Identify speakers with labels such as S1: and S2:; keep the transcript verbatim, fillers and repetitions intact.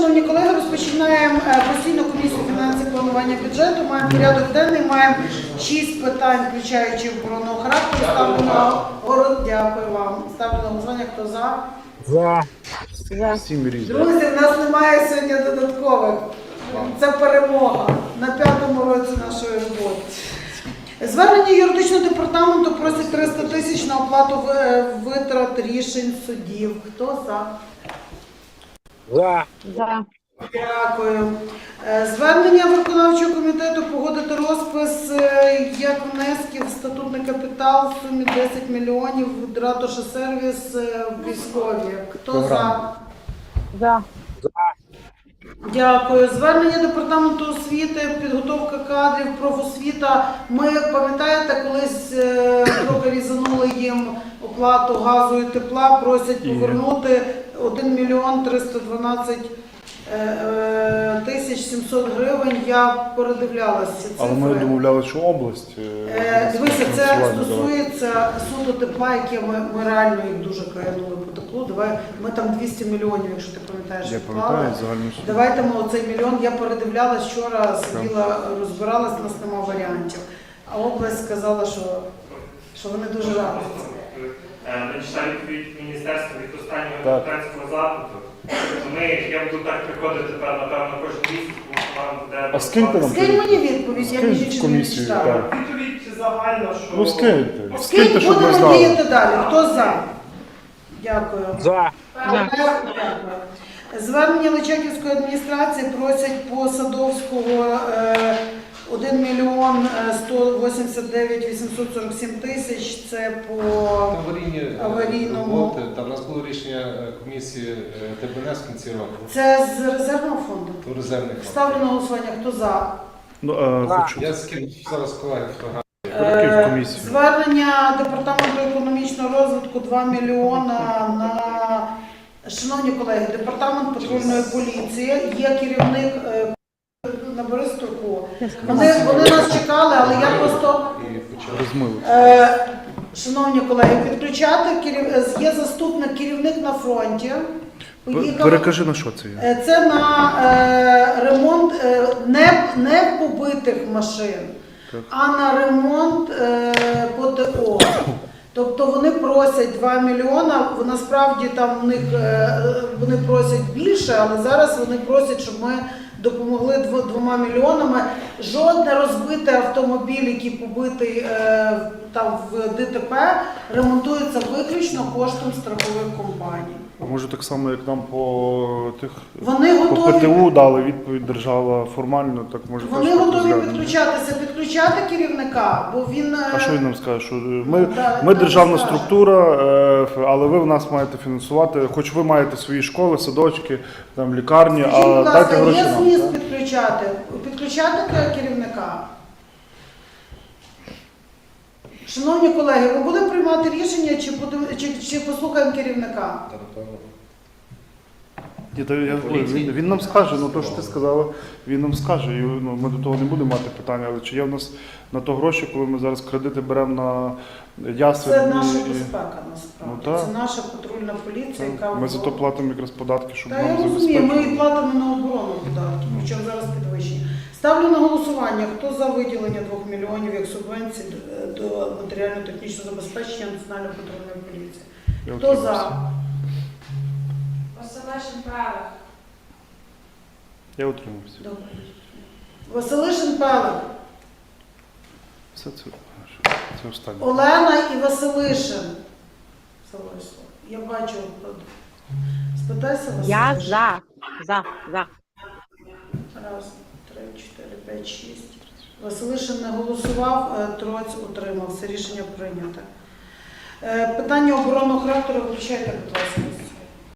S1: шановні колеги, розпочинаємо постійну комісію фінансів планування бюджету. Маємо порядок денний, маємо шість питань, включаючи оборонного характеру. Ставлю на город. Дякую вам. Ставлю на голосування. Хто за?
S2: За.
S1: Друзі, в нас немає сьогодні додаткових. Це перемога на п'ятому році нашої роботи. Звернення юридичного департаменту просить триста тисяч на оплату витрат рішень судів. Хто за?
S2: За.
S3: За.
S1: Дякую. Звернення виконавчого комітету погодити розпис як внесків в статутний капітал в сумі десять мільйонів Ратуша сервіс військові. Хто за?
S3: За.
S1: Дякую. Звернення департаменту освіти, підготовка кадрів, профосвіта. Ми, пам'ятаєте, колись трохи різанули їм оплату газу і тепла, просять повернути один мільйон триста дванадцять тисяч сімсот гривень. Я передивлялася ці цифри.
S4: Але ми домовляли, що область.
S1: Е, Дивися, це стосується суду тепла, яке ми, ми реально їх дуже каянули по теплу. Давай, ми там двісті мільйонів, якщо ти пам'ятаєш,
S4: Я
S1: вклали.
S4: пам'ятаю, загальну суму.
S1: Давайте ми оцей мільйон, я передивлялась вчора, сиділа, розбиралась, у нас нема варіантів. А область сказала, що, що вони дуже раді.
S5: Ми читали відповідь міністерства від останнього
S4: Так.
S5: депутатського запиту. Ми, я буду так приходити тепер, напевно, кожен місяць, тому що вам буде...
S4: А скиньте нам.
S1: Скинь мені відповідь, я
S4: Скинь
S1: між
S4: в
S1: іншим не
S4: комісію,
S1: читала.
S4: так.
S5: Відповідь загальна, що...
S4: Ну скиньте.
S1: Скинь,
S4: Скиньте, щоб ми
S1: будемо
S4: знали.
S1: діяти далі. Хто за? Дякую.
S2: За.
S1: Дякую. Звернення Личаківської адміністрації просять по Садовського е, один мільйон сто вісімдесят дев'ять вісімсот сорок сім тисяч. Це по
S6: Аварійні
S1: аварійному.
S6: роботи. Там у нас було рішення комісії ТБНС в кінці року.
S1: Це з резервного фонду.
S6: До резервних.
S1: Ставлю на голосування. Хто за?
S4: Ну, е, хочу.
S6: Я скину зараз колеги фотографії.
S4: Перекинь в
S1: Е,
S4: комісію.
S1: Звернення департаменту економічного розвитку два мільйона на... Шановні колеги, департамент патрульної поліції, є керівник е, на Бористовку. Вони, вони нас чекали, але я просто...
S6: І почали.
S4: Розмили.
S1: Е, Шановні колеги, підключати керів... є заступник, керівник на фронті. Поїхав...
S4: Перекажи, на що це є.
S1: Е, Це на е, ремонт е, не, не побитих машин,
S4: Так.
S1: а на ремонт е, ПТО. Тобто вони просять два мільйона, насправді там в них е, вони просять більше, але зараз вони просять, щоб ми допомогли дв, двома мільйонами. Жодне розбитий автомобіль, який побитий е, там в ДТП, ремонтується виключно коштом страхових компаній.
S4: А може так само, як нам по тих
S1: Вони
S4: по
S1: готові.
S4: ПТУ дали відповідь держава формально, так може
S1: Вони
S4: теж
S1: готові
S4: розглянемо.
S1: підключатися, підключати керівника, бо він... е,
S4: А що він нам скаже? Що ми,
S1: Да,
S4: ми
S1: да,
S4: державна
S1: скаже.
S4: структура, е, але ви в нас маєте фінансувати, хоч ви маєте свої школи, садочки, там лікарні,
S1: Скажіть, будь
S4: а дайте
S1: ласка,
S4: гроші
S1: є
S4: нам.
S1: зміст
S4: так?
S1: підключати? Підключати керівника? Шановні колеги, ми будемо приймати рішення, чи, будемо, чи, чи послухаємо керівника?
S6: Та, напевно.
S4: Ні, то я, ой, він, він нам скаже, ну то, що ти сказала, він нам скаже. І, ну, ми до того не будемо мати питання, але чи є в нас на то гроші, коли ми зараз кредити беремо на ясен?
S1: Це наша
S4: і-
S1: безпека, насправді.
S4: Ну, так.
S1: Це наша патрульна поліція, яка...
S4: Ми за то платимо якраз податки, щоб
S1: Та я
S4: нам
S1: розумію, ми і
S4: забезпечити.
S1: платимо на оборону податки, причому зараз підвищені. Ставлю на голосування, хто за виділення двох мільйонів як субвенції до матеріально-технічного забезпечення Національної патрульної поліції.
S4: Я
S1: Хто
S4: утримався.
S1: за?
S3: Василишин Павел.
S4: Я утримався.
S1: Добре. Василишин Пелик,
S4: Все це, це останнє.
S1: Олена і Василишин. Залишила. Я бачу. Спитайся, Василишин.
S3: Я за. За. За.
S1: Раз, три, чотири, п'ять, шість. Василишин не голосував, е, Троць утримався. Рішення прийнято. Е, Питання оборонного характеру виключайте, будь ласка.